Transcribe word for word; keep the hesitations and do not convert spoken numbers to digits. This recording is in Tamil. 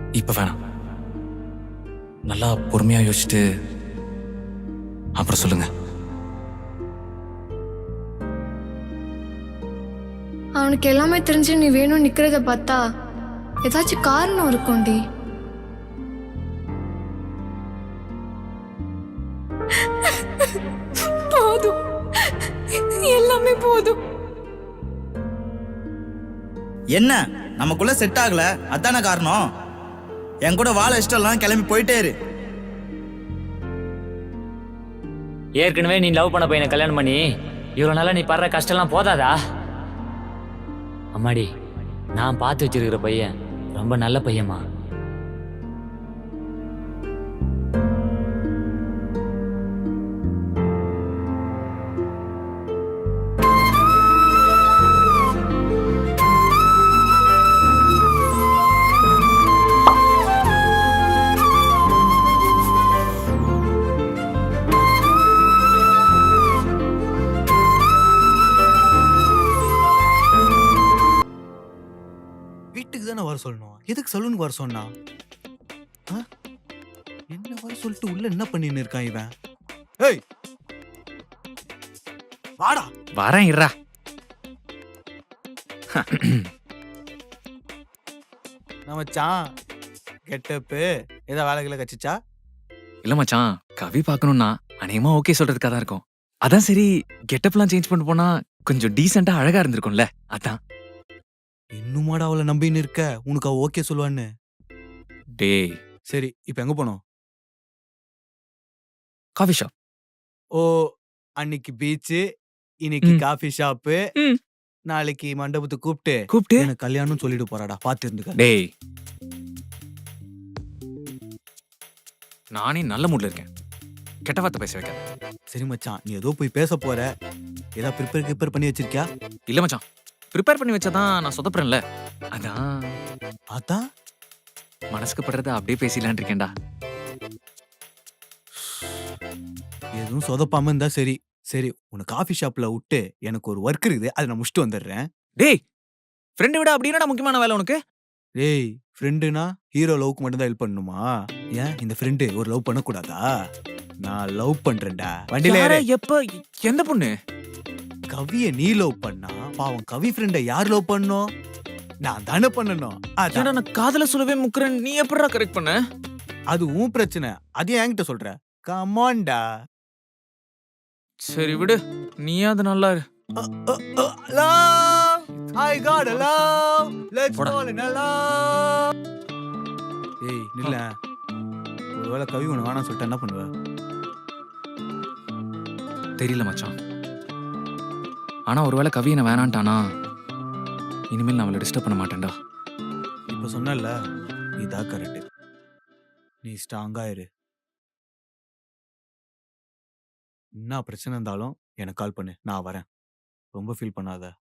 இப்ப வேணாம். நல்லா பொறுமையா யோசிச்சுட்டு அப்புறம் சொல்லுங்க. அவனுக்கு எல்லாமே தெரிஞ்சு நீ வேணும் நிக்கிறத பார்த்தா ஏதாச்சும் காரணம் இருக்கும்டி. போதும், எல்லாமே போதும். என்ன நமக்குள்ள செட் ஆகல, அதான காரணம். என் கூட வாழ இஷ்டம் கிளம்பி போயிட்டே இரு. ஏற்கனவே நீ லவ் பண்ண பையனை கல்யாணம் பண்ணி இவ்வளவு நாளா நீ படுற கஷ்டம்லாம் போதாதா? அம்மாடி, நான் பார்த்து வச்சிருக்கிற பையன் ரொம்ப நல்ல பையன்மா. வீட்டுக்கு தானே வர சொல்லணும், எதுக்கு சலூனுக்கு வர சொன்னா? என்ன வர சொல்லிட்டு உள்ள என்ன பண்ணின்னு இருக்கான் இவன்? ஏய் வாடா. வரேன் இருடா. நான் மச்சான் கெட்டப்பு ஏதோ வேலைகளை கச்சிச்சா? இல்ல மச்சான், கவி பார்க்கணும்னா அநேகமா ஓகே சொல்றதுக்காக தான் இருக்கும். அதான் சரி, கெட்டப்லாம் சேஞ்ச் பண்ணி போனா கொஞ்சம் டீசெண்டா அழகா இருந்திருக்கும்ல, அதான். இன்னுமாடா அவளை நம்பின்னு இருக்க? உனக்கு அவ ஓகே சொல்லுவான்னு? டேய், சரி இப்ப எங்க போனோம்? Coffee shop. ஓ, அன்னைக்கு பீச்சு, இன்னைக்கு ம். காஃபி ஷாப்பு, ம். நாளைக்கு மண்டபத்துக்கு கூப்பிட்டு கூப்பிட்டு எனக்கு கல்யாணம் சொல்லிட்டு போறாடா, பாத்து இருந்துக்க. டேய், நானே நல்ல மூட்ல இருக்கேன், கெட்ட வார்த்தை பேச வைக்காத. சரி மச்சான், நீ ஏதோ போய் பேச போற, ஏதா ப்ரிப்பேர் ப்ரிப்பேர் பண்ணி வச்சிருக்கியா? இல்ல மச்சான், ப்ரிப்பேர் பண்ணி வச்சாதான் நான் சொதப்புறேன்ல, அதான் அதான் மனசுக்கு படுறத அப்படியே பேசிடலான் இருக்கேன்டா. எதுவும் சொதப்பாம இருந்தா சரி. சரி, உன்னை காஃபி ஷாப்ல விட்டு எனக்கு ஒரு ஒர்க் இருக்குது, அதை நான் முடிச்சுட்டு வந்துடுறேன். டேய், ஃப்ரெண்டை விட அப்படின்னா முக்கியமான வேலை உனக்கு? டேய், ஃப்ரெண்டுனா ஹீரோ லவ்க்கு மட்டும் தான் ஹெல்ப் பண்ணணுமா? ஏன் இந்த ஃப்ரெண்டு ஒரு லவ் பண்ணக்கூடாதா? நான் லவ் பண்றேன்டா. வண்டியில யார, ஏறு. எப்ப, எந்த பொண்ணு? கவிய நீ லவ் பண்ணா பாவம் கவி ஃப்ரெண்ட யார் லவ் பண்ணணும்? நான் தானே பண்ணணும். அதான். ஏன்டா நான் காதல சொல்லவே முக்குறேன், நீ எப்படிடா கரெக்ட் பண்ண? அது உன் பிரச்சனை, அதையும் என்கிட்ட சொல்ற. கமான்டா. சரி விடு, நீயாவது நல்லா இரு. Love, I got a love, let's போடா. fall in love. ஏய் நில்ல, ஒருவேளை கவி உன்னை வேணாம் சொல்லிட்டு என்ன பண்ணுவ? தெரியல மச்சான், ஆனா ஒருவேளை கவி என்ன வேணான்ட்டானா இனிமேல் நான் அவளை டிஸ்டர்ப் பண்ண மாட்டேன்டா. இப்ப சொன்னல, இதான் கரெக்ட். நீ ஸ்ட்ராங்கா இரு. என்ன பிரச்சனை இருந்தாலும் எனக்கு கால் பண்ணு, நான் வரேன். ரொம்ப ஃபீல் பண்ணாத.